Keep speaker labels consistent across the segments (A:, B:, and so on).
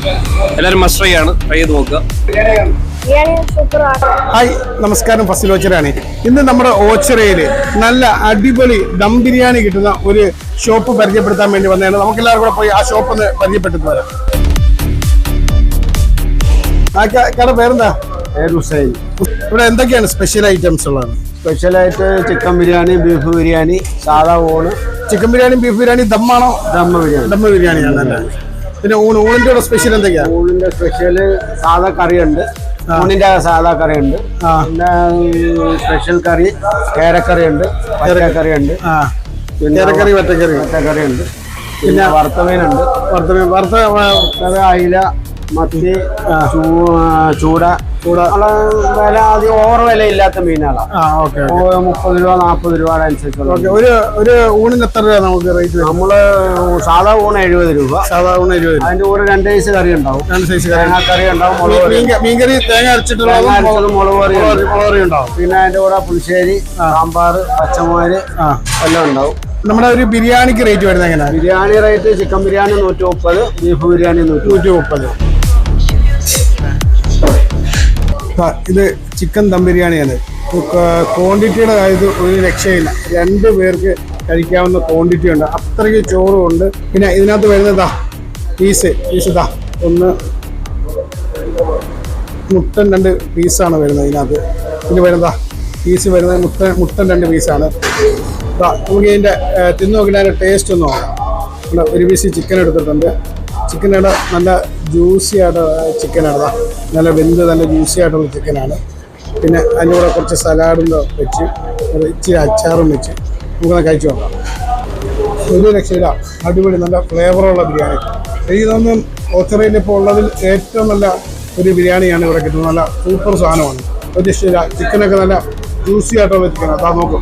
A: എല്ലാവരും must try ആണ്, try ചെയ്ത് നോക്കുക.
B: ഹായ്, നമസ്കാരം. ഫസിൽ ഓച്ചിറയാണ്. ഇന്ന് നമ്മുടെ ഓച്ചിറയിൽ നല്ല അടിപൊളി ദം ബിരിയാണി കിട്ടുന്ന ഒരു ഷോപ്പ് പരിചയപ്പെടുത്താൻ വേണ്ടി വന്നതാണ്. നമുക്ക് എല്ലാവരും കൂടെ പോയി ആ ഷോപ്പ് ഒന്ന് പരിചയപ്പെട്ടു വരാം. ആ കട പേരെന്താ?
C: ഹുസൈൻ.
B: ഇവിടെ എന്തൊക്കെയാണ് സ്പെഷ്യൽ ഐറ്റംസ് ഉള്ളത്?
C: സ്പെഷ്യലായിട്ട് ചിക്കൻ ബിരിയാണി, ബീഫ് ബിരിയാണി, സാധാ ഊണ്.
B: ചിക്കൻ ബിരിയാണി, ബീഫ് ബിരിയാണി, ദമ്മാണോ?
C: ദമ്മ ബിരിയാണി.
B: ദമ്മ ബിരിയാണിയാണ്. പിന്നെ ഊണിന്റെ കൂടെ സ്പെഷ്യൽ എന്തൊക്കെയാണ്?
C: ഊണിന്റെ സ്പെഷ്യല് സാധാ കറിയുണ്ട്, ഊണിന്റെ സാധാ കറിയുണ്ട്, പിന്നെ സ്പെഷ്യൽ കറി കേരക്കറി ഉണ്ട്, പച്ചക്കറിയുണ്ട്,
B: പിന്നെ കേരക്കറി,
C: പച്ചക്കറി ഉണ്ട്, പിന്നെ വറുത്തമീനുണ്ട്, വറുത്ത അയില, മത്തി, ചൂട. വില ആദ്യം ഓവർ വില ഇല്ലാത്ത മീനുകളാണ്. 30 രൂപ 40 രൂപയുടെ അനുസരിച്ചുള്ള.
B: ഒരു ഊണിന് എത്ര രൂപ നമുക്ക് റേറ്റ്?
C: നമ്മള് സാധാ ഊണ് 70 രൂപ.
B: സാധാ ഊണ് 70.
C: അതിന്റെ കൂടെ 2 സൈസ് കറി ഉണ്ടാവും.
B: 2 സൈസ്
C: കറി ഉണ്ടാവും,
B: മീൻകറി, തേങ്ങ അരച്ചിട്ടുള്ളത്,
C: മുളക് കറി
B: ഉണ്ടാവും.
C: പിന്നെ അതിന്റെ കൂടെ പുളിശ്ശേരി, സാമ്പാർ, പച്ചമോര് എല്ലാം ഉണ്ടാവും.
B: നമ്മുടെ ഒരു ബിരിയാണിക്ക് റേറ്റ് വരുന്നത് എങ്ങനെയാണ്?
C: Biryani rate chicken biryani 130, beef biryani 130.
B: ഇത് ചിക്കൻ ദം ബിരിയാണിയാണ്. ക്വാണ്ടിറ്റിയുടെ കാര്യത്തിൽ ഒരു രക്ഷയില്ല. 2 പേർക്ക് കഴിക്കാവുന്ന ക്വാണ്ടിറ്റി ഉണ്ട്. അത്രയ്ക്ക് ചോറും ഉണ്ട്. പിന്നെ ഇതിനകത്ത് വരുന്നതാ പീസ് ഇതാ ഒന്ന് മുട്ടൻ 2 പീസാണ് വരുന്നത് ഇതിനകത്ത്. പിന്നെ വരുന്നതാ പീസ് വരുന്നത് മുട്ടൻ 2 പീസാണ്. നമുക്ക് ഇതിൻ്റെ തിന്നു നോക്കിയിട്ട് അതിൻ്റെ ടേസ്റ്റ് ഒന്ന് നോക്കാം. ഒരു പീസ് ചിക്കൻ എടുത്തിട്ടുണ്ട്. ചിക്കനയുടെ നല്ല ജ്യൂസി ആയിട്ട് ചിക്കനാണ്. നല്ല വെന്ത് നല്ല ജ്യൂസി ആയിട്ടുള്ള ചിക്കനാണ്. പിന്നെ അതിൻ്റെ കൂടെ കുറച്ച് സലാഡും വെച്ച് ഇച്ചിരി അച്ചാറും വെച്ച് നമുക്കൊന്ന് കഴിച്ചു നോക്കാം. ഒരു രക്ഷയില്ല, അടിപൊളി നല്ല ഫ്ലേവറുള്ള ബിരിയാണി. എനിക്ക് തോന്നുന്നു ഓച്ചിറയിൽ ഇപ്പോൾ ഉള്ളതിൽ ഏറ്റവും നല്ല ഒരു ബിരിയാണിയാണ് ഇവിടെ കിട്ടുന്നത്. നല്ല സൂപ്പർ സാധനമാണ്. ഒരു രക്ഷയില്ല. ചിക്കനൊക്കെ നല്ല ജ്യൂസി ആയിട്ടുള്ള ചിക്കനാണ്. അതാ നോക്കും,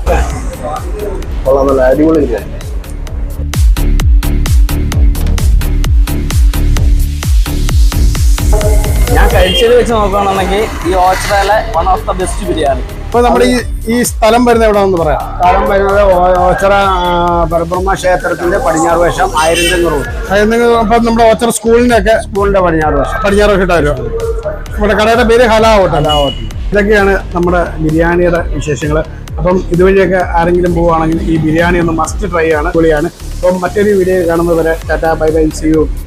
C: നല്ല അടിപൊളി ബിരിയാണി.
D: ഞാൻ കഴിച്ചത് വെച്ച് നോക്കുകയാണെന്നുണ്ടെങ്കിൽ ഈ ഓച്ചിറയിലെ one of the best biryani.
B: ഇപ്പൊ നമ്മുടെ ഈ സ്ഥലം വരുന്നത് എവിടെയാണെന്ന് പറയാം?
C: സ്ഥലം വരുന്നത് ഓച്ചിറ പരബ്രഹ്മ ക്ഷേത്രത്തിന്റെ പടിഞ്ഞാറ് വശം 1000 റോഡ്.
B: അപ്പൊ നമ്മുടെ ഓച്ചിറ സ്കൂളിന്റെ
C: പടിഞ്ഞാറ് വശം
B: വരും. നമ്മുടെ കടയുടെ പേര് ഹലാ ഹോട്ടൽ. ഇതൊക്കെയാണ് നമ്മുടെ ബിരിയാണിയുടെ വിശേഷങ്ങൾ. അപ്പം ഇതുവഴിയൊക്കെ ആരെങ്കിലും പോവുകയാണെങ്കിൽ ഈ ബിരിയാണി ഒന്ന് മസ്റ്റ് ട്രൈ ആണ്. പൊളിയാണ്. അപ്പം മറ്റൊരു വീഡിയോ കാണുന്നത് വരെ tata, bye bye, see U.